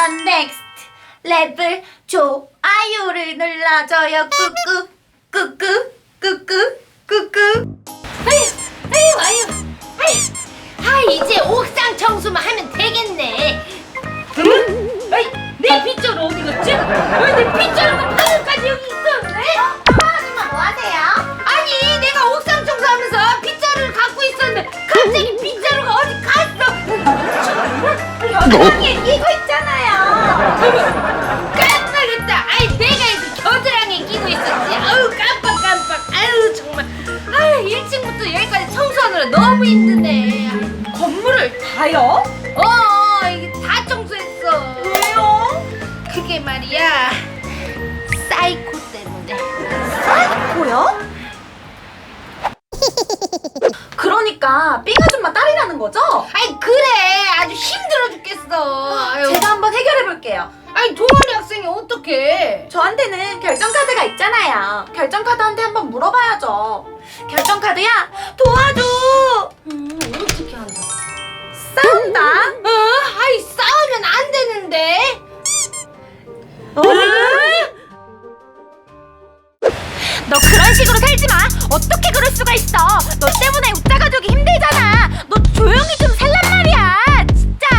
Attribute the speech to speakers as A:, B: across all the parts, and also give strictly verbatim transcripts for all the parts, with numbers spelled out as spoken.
A: 넌 넥스트 레벨 좋아요를 눌러줘요. 끄끄 끄끄 끄끄 끄끄.
B: 아유 아유 아유 아유 아 이제 옥상 청소만 하면 되겠네. 응? 아이 내 빗자루 어디 갔지? 왜 내 빗자루가 방금까지 여기 있었네?
A: 어? 아줌마 뭐 하세요?
B: 아니 내가 옥상 청소하면서 빗자루를 갖고 있었는데 갑자기 빗자루가 어디 갔어?
A: 겨드랑이에 끼고 있잖아요.
B: 깜빡했다. 아이 내가 이거 겨드랑이에 끼고 있었지. 아우 깜빡 깜빡. 아유 정말. 아유 일 층부터 여기까지 청소하느라 너무 힘드네.
A: 건물을 다요?
B: 어 이게 다 청소했어.
A: 왜요?
B: 그게 말이야 사이코 때문에.
A: 사이코요? 그러니까 삥 아줌마 딸이라는 거죠?
B: 아이 그래 아주 힘들어 죽겠어. 아유.
A: 제가 한번 해결해 볼게요.
B: 아니 동아리 학생이 어떡해.
A: 저한테는 결정카드가 있잖아요. 결정카드한테 한번 물어봐야죠. 결정카드야, 도와줘!
B: 음 어떻게 한다.
A: 싸운다?
B: 어? 아이 싸우면 안 되는데.
A: 어? 너 그런 식으로 살지 마! 어떻게 그럴 수가 있어! 너 때문에 웃자 가족이 힘들잖아! 너 조용히 좀 살란 말이야! 진짜!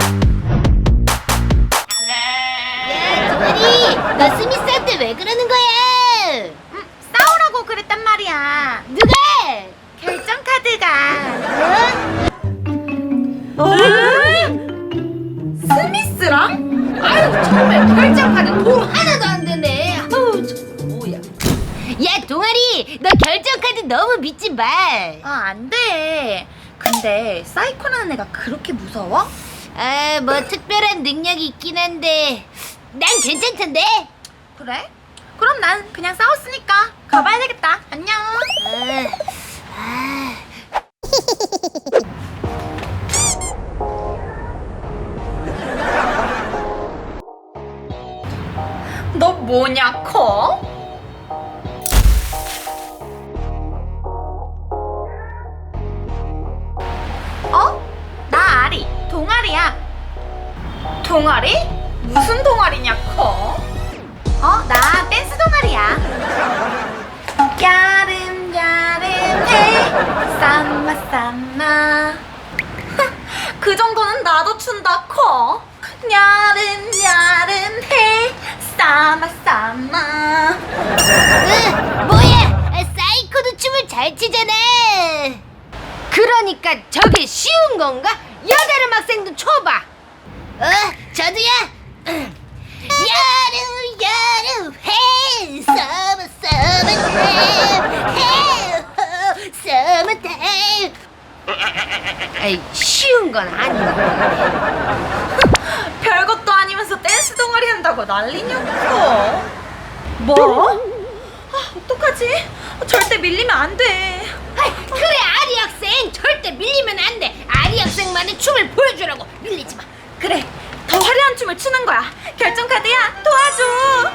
B: 야 동아리 너 스미스한테 왜 그러는 거야?
A: 음, 싸우라고 그랬단 말이야.
B: 누가?
A: 결정카드가.
B: 어?
A: 어? 스미스랑?
B: 아유 정말 결정카드 도움 하나도 안 되네. 아우 저 뭐야? 야 동아리 너 결정카드 너무 믿지 마.
A: 아, 안 돼. 근데 사이코라는 애가 그렇게 무서워?
B: 아 뭐 특별한 능력이 있긴 한데 난 괜찮던데.
A: 그래? 그럼 난 그냥 싸웠으니까 가봐야 되겠다. 안녕.
B: 아, 아.
A: 너 뭐냐, 커? 어? 나 아리, 동아리야. 동아리? 무슨 동아리냐, 커? 어, 나 댄스 동아리야. 야름야름해 쌈마 쌈마. 그 정도는 나도 춘다, 커. 야름야름해 쌈마 쌈마.
B: 으, 뭐야? 아, 사이코도 춤을 잘 추잖아. 그러니까 저게 쉬운 건가? 여다른 학생도 춰봐. 어, 저도야. 여름 여름 해 서머 서머 타임 해 서머 타임. 아이 쉬운 건 아니야.
A: 별것도 아니면서 댄스 동아리 한다고 난리냐고. 뭐? 아, 어떡하지? 절대 밀리면 안 돼.
B: 아이, 그래 아리 학생 절대 밀리면 안 돼. 아리 학생만의 춤을 보여주라고. 밀리지 마.
A: 그래, 더 화려한 춤을 추는 거야. 결정카드야, 도와줘.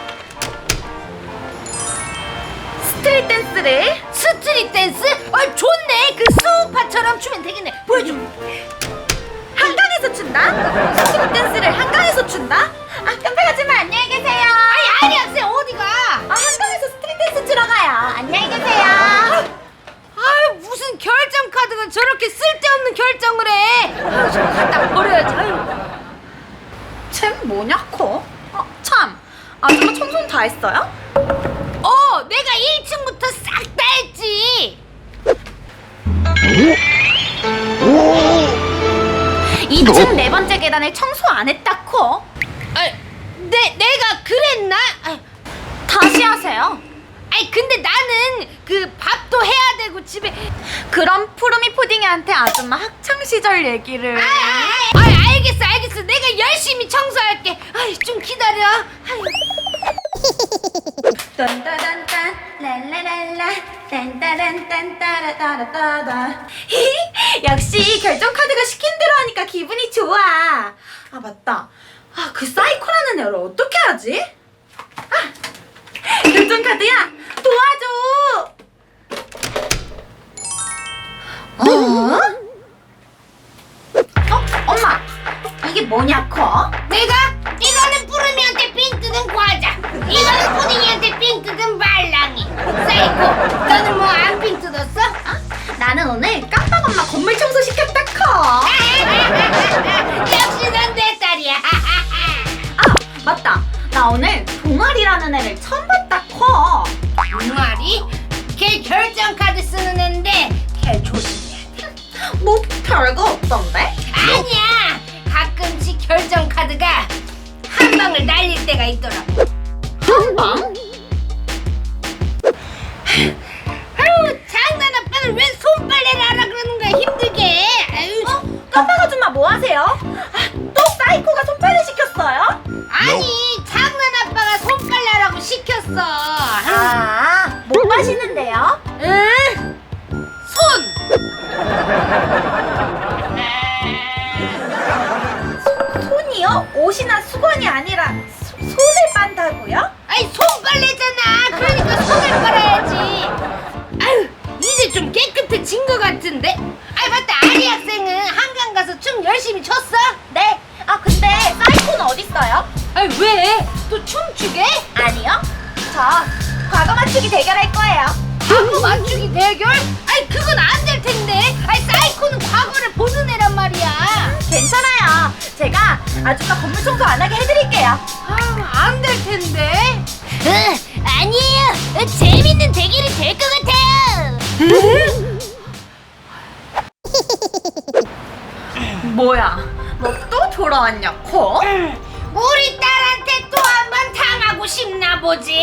A: 스트릿 댄스를.
B: 스트릿 댄스? 아 좋네. 그 수우파처럼 추면 되겠네. 보여줘.
A: 한강에서 춘다? 스트릿 댄스를 한강에서 춘다? 아, 깜빡하지만 안녕히 계세요.
B: 아니 아리 학생 어디가?
A: 아, 한강에서 스트릿 댄스 추러 가요. 안녕히 계세요.
B: 아유 무슨 결정 카드가 저렇게 쓸데없는 결정을 해. 아유 저 갖다 버려야지. 아유.
A: 쟨 뭐냐, 커? 어, 참. 아줌마 청소는 다 했어요?
B: 어 내가 일 층부터 싹 다 했지.
A: 이 층 네 번째 계단을 청소 안 했다, 커.
B: 아, 내 내가 그랬나? 아,
A: 다시 하세요.
B: 아니 근데 나는 그 밥도 해야 되고 집에.
A: 그럼 푸르미 푸딩이한테 아줌마 학창 시절 얘기를.
B: 아, 아, 아, 알겠어 알겠어. 내가 열심히 청소할게. 아이 좀 기다려. 아유.
A: 딴따단딴 랄라랄라 딴따란딴 따라따라따다. 역시 결정 카드가 시킨 대로 하니까 기분이 좋아. 아, 맞다. 아, 그 사이코라는 애를 어떻게 하지? 아, 결정 카드야, 도와줘. 어? 어? 엄마, 이게 뭐냐, 커?
B: 내가 이거 이거는 푸딩이한테 삥 뜯은 말랑이. 사이코, 너는 뭐 안 삥 뜯었어?
A: 나는 오늘 깜빡 엄마 건물 청소 시켰다 커.
B: 역시 넌 내 딸이야.
A: 아 맞다. 나 오늘 동아리라는 애를 처음 봤다 커.
B: 동아리? 걔 결정 카드 쓰는 애인데 걔 조심해야 돼.
A: 뭐 별거 없던데?
B: 아니야. 가끔씩 결정 카드가 한 방을 날릴 때가 있더라고.
A: 한 방?
B: 아유, 장난 아빠는 왜 손빨래를 하라 그러는 거야 힘들게. 아유.
A: 어? 깜빡 아줌마 뭐 하세요? 아, 또 사이코가 손빨래 시켰어요?
B: 아니, 장난 아빠가 손빨래 하라고 시켰어.
A: 아, 못 마시는데요?
B: 응? 손.
A: 손이요? 옷이나 수건이 아니라 소, 손을 빤다고요?
B: 아니 손빨래잖아. 그러니까 손을 빨아야지. 아유, 이제 좀 깨끗해진 것 같은데. 아이 맞다. 아리 학생은 한강 가서 춤 열심히 췄어?
A: 네. 아 근데 사이코는 어딨어요?
B: 아이 왜? 또 춤추게?
A: 아니요. 저 과거 맞추기 대결할 거예요.
B: 과거 맞추기 대결? 아이 그건 안 될 텐데. 아이 사이코는 과거를 보는 애란 말이야.
A: 괜찮아요. 제가 아줌마 건물 청소 안 하게 해드릴게요.
B: 아안 될 텐데. 어, 아니에요. 재밌는 대결이 될 것 같아요.
A: 뭐야? 너 또 돌아왔냐, 코?
B: 우리 딸한테 또 한 번 당하고 싶나 보지?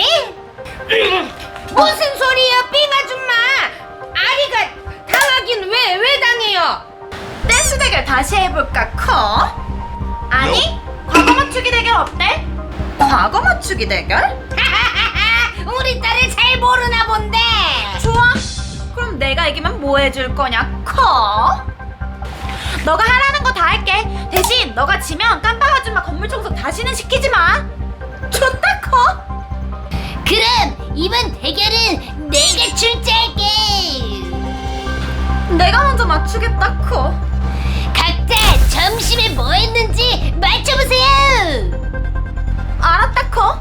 B: 무슨 소리야, 삥 아줌마? 아리가 당하긴 왜, 왜 당해요?
A: 댄스 대결 다시 해볼까, 커? 아니, 과거 맞추기 대결 어때? 과거 맞추기 대결?
B: 우리 딸을 잘 모르나 본데.
A: 좋아. 그럼 내가 이기면 뭐 해줄 거냐, 커? 너가 하라는 거 다 할게. 대신 너가 지면 깜빡 아줌마 건물 청소 다시는 시키지 마. 좋다, 커.
B: 그럼 이번 대결은 내가 출제할게.
A: 내가 먼저 맞추겠다, 커.
B: 각자 점심에 뭐 했는지 맞춰보세요.
A: 알았다, 커.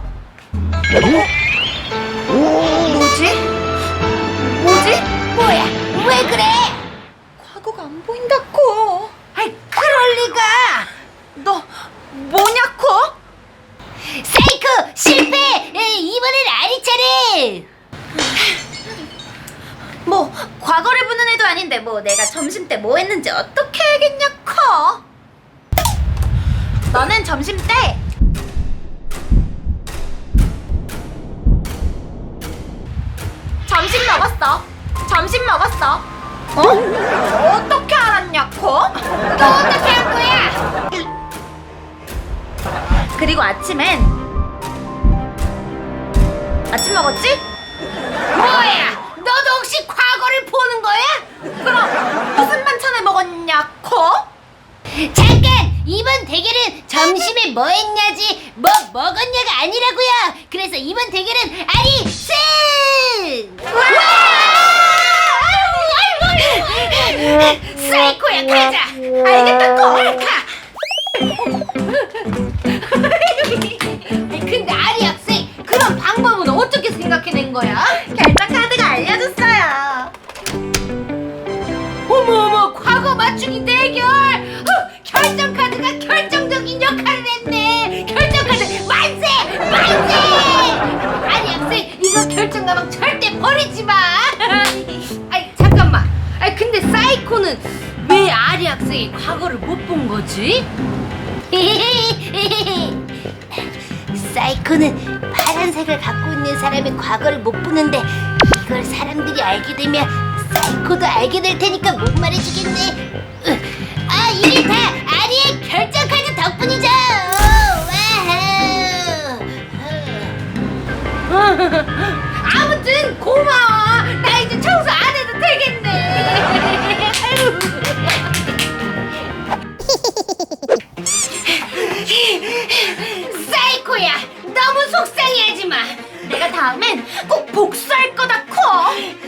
A: 뭐지? 뭐지?
B: 뭐야, 왜 그래?
A: 과거가 안 보인다, 커.
B: 아이, 그럴 리가.
A: 너 뭐냐, 커?
B: 사이코 실패. 에, 이번엔 아리 차례.
A: 뭐 과거를 보는 애도 아닌데 뭐 내가 점심 때 뭐 했는지 어떻게 알겠냐, 커? 너는 점심 때 점심 먹었어. 점심 먹었어. 어? 어떻게 알았냐, 커?
B: 또 어떻게 할 거야?
A: 그리고 아침엔 아침 먹었지?
B: 뭐야? 너도 혹시 과거를 보는 거야?
A: 그럼 무슨 반찬을 먹었냐, 커?
B: 잠깐! 이번 대결은 점심에 뭐 했냐지 뭐 먹었냐가 아니라고요. 그래서 이번 대결은 아리 승! 사이코야 가자.
A: 알겠다, 커.
B: 가. 아니, 근데 아리 학생 그런 방법은 어떻게 생각해낸 거야?
A: 결정 카드가 알려줬어요.
B: 어머 어머 과거 맞추기 대결. 어, 결정 카드가 결정적인 역할을 했네. 결정 카드 만세 만세. 아니 학생 이거 결정 가방 절대 버리지 마. 아니 잠깐만. 아니 근데 사이코는 왜 아리 학생이 과거를 못 본 거지? 사이코는 파란색을 갖고 있는 사람의 과거를 못 보는데 이걸 사람들이 알게 되면 사이코도 알게 될 테니까 못 말해주겠네. 으, 아 이게 다 아리의 결정 카드 덕분이죠. 와우. 아무튼 고마워. 나 이제 청소 안 해도 되겠네. 사이코야 너무 속상해하지 마.
A: 내가 다음엔 꼭 복수할 거다, 커.